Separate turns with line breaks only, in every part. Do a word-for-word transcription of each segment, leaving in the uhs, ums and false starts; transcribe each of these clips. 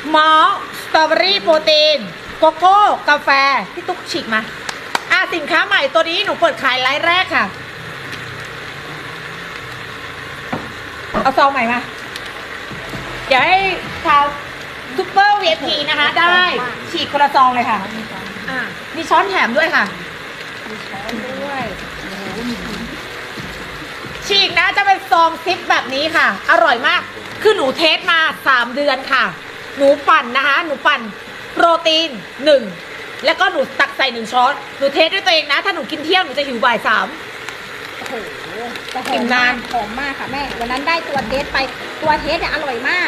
มอลสตรอเบอรี่โปรตีนโกโก้กาแฟพี่ตุ๊กฉีกมาอ่ะสินค้าใหม่ตัวนี้หนูเปิดขายไลฟ์แรกค่ะเอาซองใหม่มาเดี๋ยวให้ชาวซุปเปอร์วี ไอ พี นะคะได้ฉีกคนละซองเลยค่ะอ่ะมีช้อนแถมด้วยค่ะมีช้อนด้วยฉีกนะจะเป็นซองซิปแบบนี้ค่ะอร่อยมากคือหนูเทสมาสามเดือนค่ะหนูปั่นนะคะหนูปั่นโปรตีนหนึ่งแล้วก็หนูตักใส่หนึ่งช้อนหนูเทสด้วยตัวเองนะถ้าหนูกินเที่ยงหนูจะหิวบ่ายสาม
โอ้โหแต่หอมมากหอมมากค่ะแม่วันนั้นได้ตัวเทสไปตัวเทสเนี่ยอร่อยมาก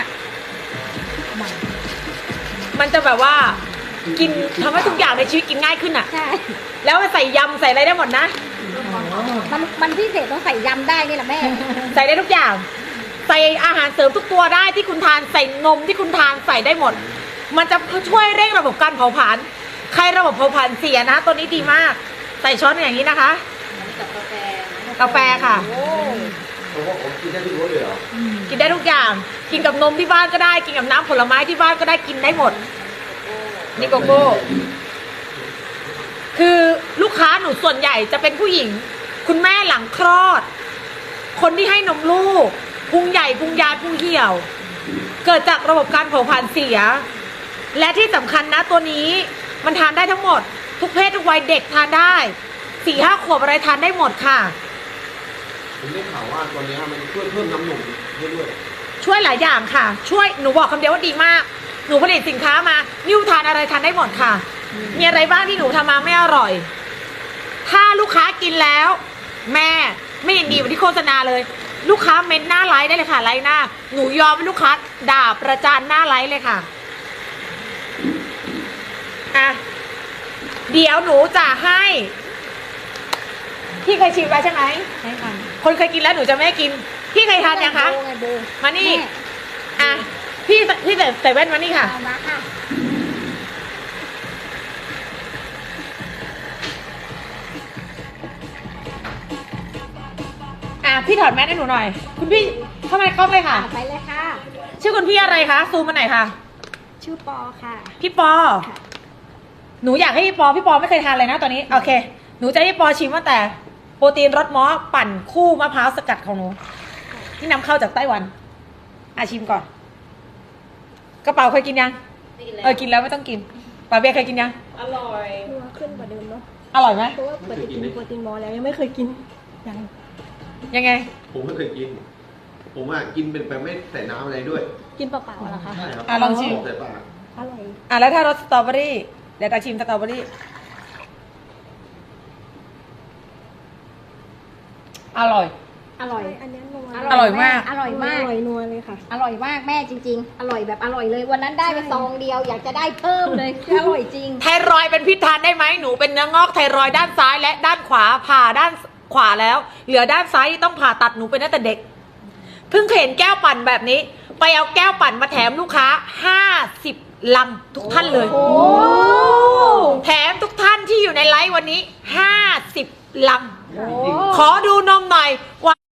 มันจะแบบว่ากินทำให้ทุกอย่างในชีวิตกินง่ายขึ้นอ่ะ
ใช่
แล้วใส่ยำใส่อะไรได้หมดนะ
มันมันพิเศษต้องใส่ยำได้นี่แหละแม่
ใส่ได้ทุกอย่างใส่อาหารเสริมทุกตัวได้ที่คุณทานใส่นมที่คุณทานใส่ได้หมดมันจะช่วยเร่งระบบการเผาผลาญใครระบบเผาผลาญเสียนะตัวนี้ดีมากใส่ช้อนอย่างนี้นะคะกาแฟค่ะ
เพราะว่าผมกินได้ทุกรสเลยเหรอ
กินได้ทุกอย่างกินกับนมที่บ้านก็ได้กินกับน้ำผลไม้ที่บ้านก็ได้กินได้หมดนี่โกโก้คือลูกค้าหนูส่วนใหญ่จะเป็นผู้หญิงคุณแม่หลังคลอดคนที่ให้นมลูกพุงใหญ่พุงยาวพุงเหี่ยวเกิดจากระบบการเผาผลาญเสียและที่สำคัญนะตัวนี้มันทานได้ทั้งหมดทุกเพศทุกวัยเด็กทานได้สี่ห้าขวบอะไรทานได้หมดค่ะ
ผมได้ข่าวว่าตัวนี้มันช่วยเพิ่มน้ำหนักให้ด้วย
ช่วยหลายอย่างค่ะช่วยหนูบอกคำเดียวว่าดีมากหนูผลิตสินค้ามานิ้วทานอะไรทานได้หมดค่ะมีอะไรบ้างที่หนูทำมาไม่อร่อยถ้าลูกค้ากินแล้วแม่ไม่เห็นดีกว่าที่โฆษณาเลยลูกค้าเม้นหน้าไลฟ์ได้เลยค่ะไลฟ์หน้าหนูยอมให้ลูกค้าด่าประจานหน้าไลฟ์เลยค่ะอ่ะเดี๋ยวหนูจะให้พี่เคยชิมไปใช่ไหม
ใช่ค่ะ
คนเคยกินแล้วหนูจะไม่กินพี่เคยทานยังคะมานี่อ่ะพี่พี่ใส่ใส่แว่นมานี่ค่ะ
มาค่ะ
อ่ะพี่ถอดแมสให้หนูหน่อยคุณพี่เข้ามาเข้าเลยค่ะ
ไปเลยค่ะ
ชื่อคุณพี่อะไรคะซูมมาหน่อยค่ะ
ชื่อปอค่ะ
พี่ปอหนูอยากให้พี่ปอพี่ปอไม่เคยทานเลยนะตอนนี้โอเคหนูจะให้พี่ปอชิมว่าแต่โปรตีนรสมอสปั่นคู่มะพร้าวสกัดของหนูที่นำเข้าจากไต้หวันอาชิมก่อนกระเป๋าเคยกินยังเออกินแล้วไม่ต้องกินป๋าเบียร์เคยกินยัง
อร่อย
นัวขึ้นกว่าเดิมเนาะ
อร่อยไหม
เพราะว่าปกติกินโปรตีนมอแล้วยังไม่เคยกินยัง
ยังไง
ผมไม่เคยกินผมอ่ะกินเป็นแบบไม่ใส่น้ำอะไรด้วย
กินเปล่าๆเหรอคะ
ใช่ครับ
อ่ะลองชิม
ใส่ปาก
อร่อย
อ่ะแล้วถ้ารสสตรอเบอรี่เดี๋ยวตาชิมสตรอเบอรี่อร่อย
อร่อย
อันนี้นัว
อร่อยมาก
อร่อยมาก
อร่อยนัวเลยค่ะ
อร่อยมากแม่จริงๆอร่อยแบบอร่อยเลยวันนั้นได้ไปซองเดียวอยากจะได้เพิ่มเลยอร่อยจริง
ไทรอยด์เป็นพิษทานได้ไหมหนูเป็นเนื้องอกไทรอยด์ด้านซ้ายและด้านขวาผ่าด้านขวาแล้วเหลือด้านซ้ายที่ต้องผ่าตัดหนูเป็นตั้งแต่เด็กเพิ่งเห็นแก้วปั่นแบบนี้ไปเอาแก้วปั่นมาแถมลูกค้าห้าสิบลังทุกท่านเลยแถมทุกท่านที่อยู่ในไลฟ์วันนี้ห้าสิบลังขอดูนมหน่อยว่า